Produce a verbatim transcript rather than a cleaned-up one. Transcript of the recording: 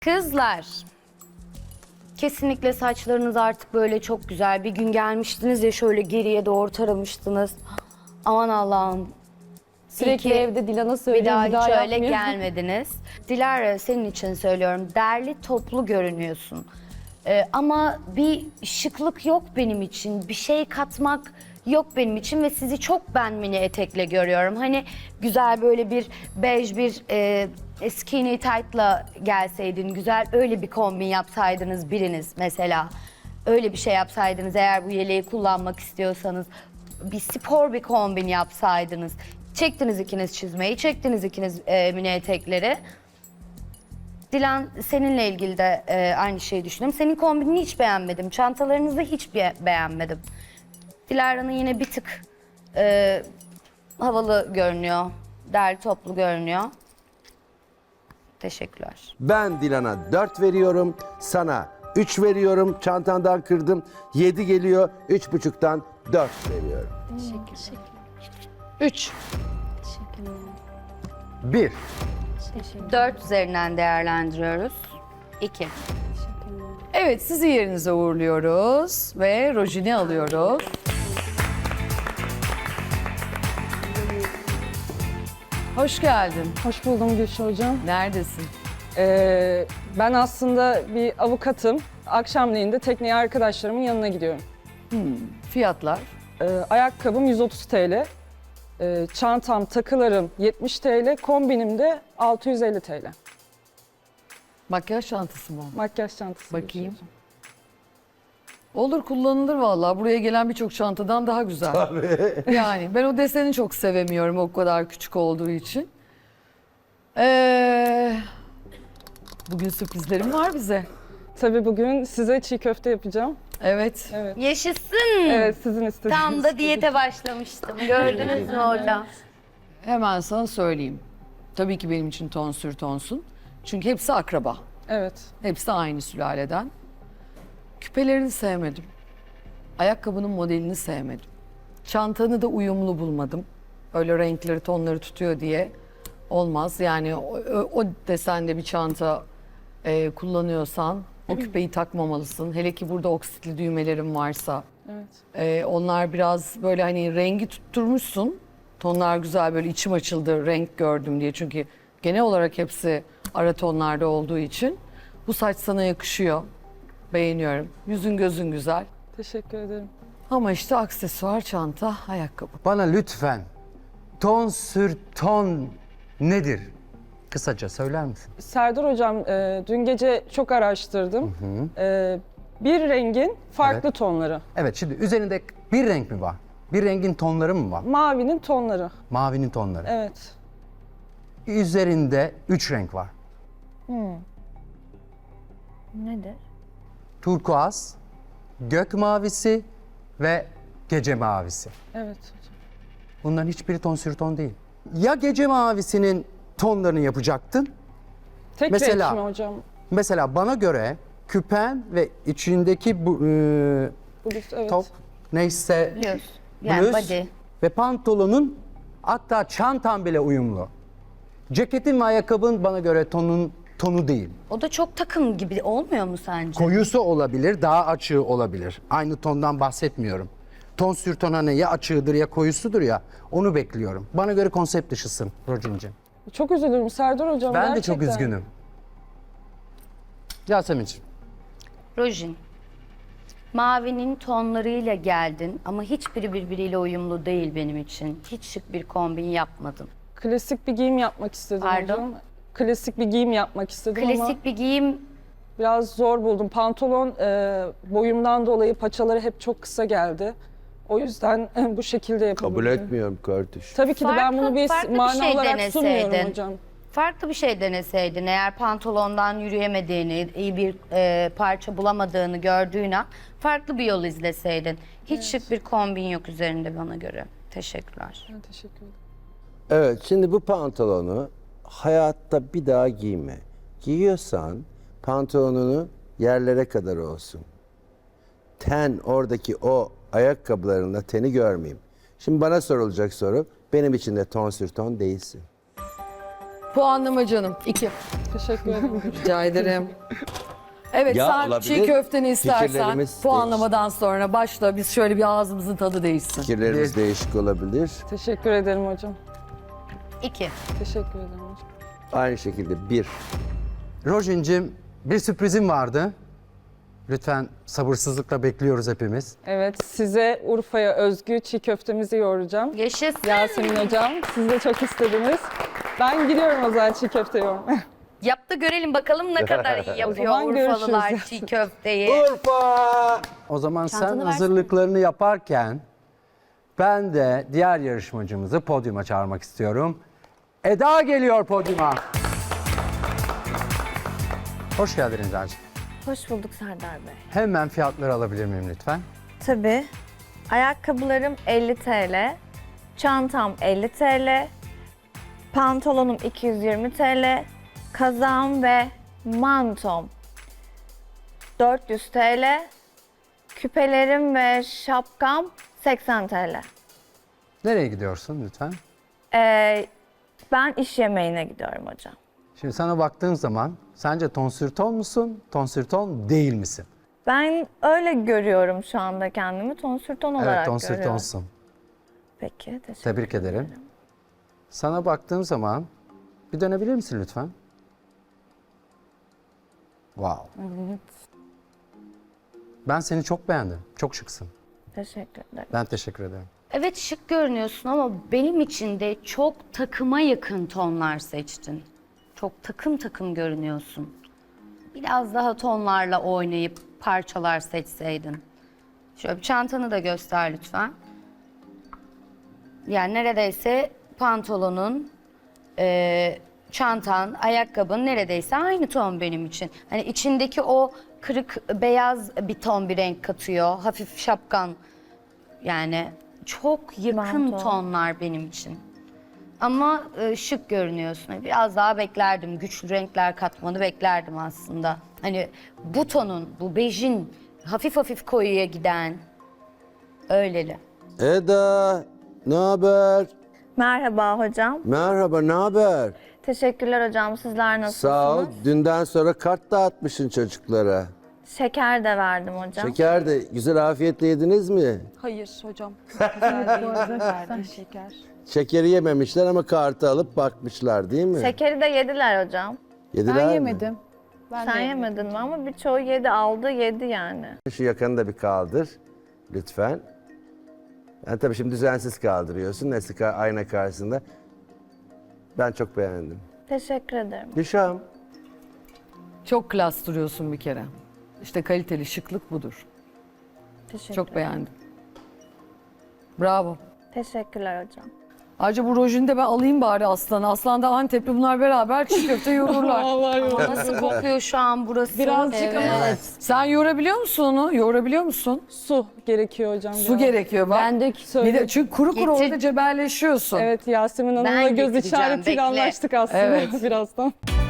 Kızlar, kesinlikle saçlarınız artık böyle çok güzel. Bir gün gelmiştiniz ya şöyle geriye doğru taramıştınız. Aman Allah'ım. Sürekli İyi ki evde Dilan'a bir söylüyorum, daha bir daha, hiç öyle yapmıyor. gelmediniz. Dilara, senin için söylüyorum. Derli toplu görünüyorsun. Ee, ama bir şıklık yok benim için. Bir şey katmak yok benim için ve sizi çok ben mini etekle görüyorum. Hani güzel böyle bir bej bir e, skinny tight'la gelseydin, güzel öyle bir kombin yapsaydınız biriniz mesela. Öyle bir şey yapsaydınız eğer bu yeleği kullanmak istiyorsanız. Bir spor bir kombin yapsaydınız. Çektiniz ikiniz çizmeyi, çektiniz ikiniz e, mini etekleri. Dilan, seninle ilgili de e, aynı şeyi düşünüyorum. Senin kombinini hiç beğenmedim. Çantalarınızı hiç be- beğenmedim. Dilara'nın yine bir tık e, havalı görünüyor. Derli toplu görünüyor. Teşekkürler. Ben Dilan'a dört veriyorum, sana üç veriyorum, çantandan kırdım, yedi geliyor, üç buçuktan dört veriyorum. Üç. bir. Dört üzerinden değerlendiriyoruz. İki. Evet, sizi yerinize uğurluyoruz ve Rojin'i alıyoruz. Hoş geldin. Hoş buldum Gülşah Hocam. Neredesin? Ee, ben aslında bir avukatım. Akşamleyin de tekneye arkadaşlarımın yanına gidiyorum. Fiyatlar? Ee, ayakkabım yüz otuz TL. Ee, çantam, takılarım yetmiş TL. Kombinim de altı yüz elli TL. Makyaj çantası mı? Makyaj çantası. Gülşah Bakayım. Hocam. Olur, kullanılır vallahi. Buraya gelen birçok çantadan daha güzel. Yani ben o deseni çok sevemiyorum o kadar küçük olduğu için. Ee, bugün sürprizlerim var bize. Tabii bugün size çiğ köfte yapacağım. Evet. Evet. Yaşasın. Evet, sizin istediğiniz. Tam da diyete başlamıştım. Gördünüz mü orada? Hemen sana söyleyeyim. Tabii ki benim için ton sür tonsun. Çünkü hepsi akraba. Evet. Hepsi aynı sülaleden. Küpelerini sevmedim. Ayakkabının modelini sevmedim. Çantanı da uyumlu bulmadım. Öyle renkleri, tonları tutuyor diye olmaz. Yani o, o desende bir çanta e, kullanıyorsan o küpeyi takmamalısın. Hele ki burada oksitli düğmelerin varsa. Evet. e, onlar biraz böyle hani rengi tutturmuşsun. Tonlar güzel, böyle içim açıldı renk gördüm diye. Çünkü genel olarak hepsi ara tonlarda olduğu için. Bu saç sana yakışıyor. Beğeniyorum. Yüzün gözün güzel. Teşekkür ederim. Ama işte aksesuar, çanta, ayakkabı. Bana lütfen ton sür ton nedir? Kısaca söyler misin? Serdar Hocam, e, dün gece çok araştırdım. E, bir rengin farklı Evet. tonları. Evet, şimdi üzerinde bir renk mi var? Bir rengin tonları mı var? Mavinin tonları. Mavinin tonları. Evet. Üzerinde üç renk var. Nedir? Turkuaz, gök mavisi ve gece mavisi. Evet hocam. Bunların hiçbiri ton sür ton değil. Ya gece mavisinin tonlarını yapacaktın. Tek Mesela- renk mi hocam? Mesela bana göre küpen ve içindeki bu e, Bluz, evet. top neyse Biliyorsun. Yani bluz body. ve pantolonun, hatta çantan bile uyumlu. Ceketin ve ayakkabın bana göre tonun tonu değil. O da çok takım gibi olmuyor mu sence? Koyusu olabilir, daha açığı olabilir. Aynı tondan bahsetmiyorum. Ton sür ton hani ya açığıdır ya koyusudur ya, onu bekliyorum. Bana göre konsept dışısın Rocin'cim. Çok üzülürüm Serdar Hocam. Ben de gerçekten. çok üzgünüm. Yasemin'ciğim. Rojin. Mavinin tonlarıyla geldin ama hiçbiri birbiriyle uyumlu değil benim için. Hiç şık bir kombin yapmadın. Klasik bir giyim yapmak istedim Pardon? hocam. Klasik bir giyim yapmak istedim ama Klasik bir giyim biraz zor buldum. Pantolon e, boyumdan dolayı paçaları hep çok kısa geldi. O yüzden bu şekilde yapabildim. Kabul etmiyorum kardeş. Tabii ki de ben Farklı- bunu bir farklı bir mana şey olarak sunmuyorum deneseydin. hocam. farklı bir şey deneseydin. Eğer pantolondan yürüyemediğini, iyi bir e, parça bulamadığını gördüğün an farklı bir yol izleseydin. Hiç şık bir kombin yok üzerinde bana göre. Teşekkürler. Ben teşekkür ederim. Evet, şimdi bu pantolonu hayatta bir daha giyme. Giyiyorsan pantolonunu yerlere kadar olsun. Ten, oradaki o ayakkabılarında teni görmeyeyim. Şimdi bana sorulacak soru, benim için de ton sür ton değilsin. Puanlama canım. iki. Teşekkür ederim. Rica ederim. Evet Ya, sen olabilir. çiğ köfteni istersen Fikirlerimiz puanlamadan sonra başla. Biz şöyle bir ağzımızın tadı değişsin. Fikirlerimiz değişik olabilir. Teşekkür ederim hocam. İki. Teşekkür ederim hocam. Aynı şekilde bir. Rojin'cim bir sürprizim vardı. Lütfen sabırsızlıkla bekliyoruz hepimiz. Evet, size Urfa'ya özgü çiğ köftemizi yoğuracağım. Yaşasın. Yasemin hocam, siz de çok istediniz. Ben gidiyorum o zaman çiğ köfte yoğurmaya. Yap da görelim bakalım ne kadar iyi yapıyor zaman Urfalılar görüşürüz. çiğ köfteyi. Urfa! O zaman sen Çantanı versene. hazırlıklarını yaparken ben de diğer yarışmacımızı podyuma çağırmak istiyorum. Eda geliyor podyuma. Hoş geldin Eda'cığım. Hoş bulduk Serdar Bey. Hemen fiyatları alabilir miyim lütfen? Tabii. Ayakkabılarım elli TL, çantam elli TL, pantolonum iki yüz yirmi TL, kazağım ve mantom dört yüz TL, küpelerim ve şapkam seksen TL. Nereye gidiyorsun lütfen? Ee, ben iş yemeğine gidiyorum hocam. Şimdi sana baktığım zaman sence tonsürton musun, tonsürton değil misin? Ben öyle görüyorum şu anda kendimi, tonsürton olarak Evet, görüyorum. tonsürtonsun. Peki, teşekkür Tebrik ederim. Sana baktığım zaman bir dönebilir misin lütfen? Wow. Ben seni çok beğendim. Çok şıksın. Teşekkür ederim. Ben teşekkür ederim. Evet şık görünüyorsun ama benim için de çok takıma yakın tonlar seçtin. Çok takım takım görünüyorsun. Biraz daha tonlarla oynayıp parçalar seçseydin. Şöyle bir çantanı da göster lütfen. Yani neredeyse pantolonun, e, çantan, ayakkabın neredeyse aynı ton benim için. Hani içindeki o kırık beyaz bir ton bir renk katıyor. Hafif şapkan. Yani çok yakın Manto. tonlar benim için. Ama e, şık görünüyorsun. Biraz daha beklerdim. Güçlü renkler katmanı beklerdim aslında. Hani bu tonun, bu bejin hafif hafif koyuya giden öyleli. Eda, ne haber? Merhaba hocam. Merhaba, ne haber? Teşekkürler hocam. Sizler nasılsınız? Sağ ol. Dünden sonra kart dağıtmışsın çocuklara. Şeker de verdim hocam. Şeker de güzel afiyetle yediniz mi? Hayır hocam. Güzel değil. Şeker. Şekeri yememişler ama kartı alıp bakmışlar değil mi? Şekeri de yediler hocam. Yediler mi? Sen yemedin mi? Ama birçoğu yedi, aldı, yedi yani. Şu yakanı da bir kaldır lütfen. Yani tabii şimdi düzensiz kaldırıyorsun Nesli ayna karşısında. Ben çok beğendim. Teşekkür ederim. Gülşah'ım. Çok klas duruyorsun bir kere. İşte kaliteli şıklık budur. Teşekkür Çok beğendim. Bravo. Teşekkürler hocam. Ayrıca bu rojini de ben alayım bari Aslan'a. Aslan da Antepli bunlar beraber çiğ köfte yoğururlar. Ama nasıl kokuyor şu an burası? Birazcık ama- Evet. Sen yoğurabiliyor musun onu? Yoğurabiliyor musun? Su gerekiyor hocam. Su biraz. gerekiyor bak. Ben de Bir söyle. de çünkü kuru kuru Getir. orada cebelleşiyorsun. Evet, Yasemin Hanım'la Ben göz getireceğim, işaretiyle bekle. anlaştık aslında Evet. birazdan.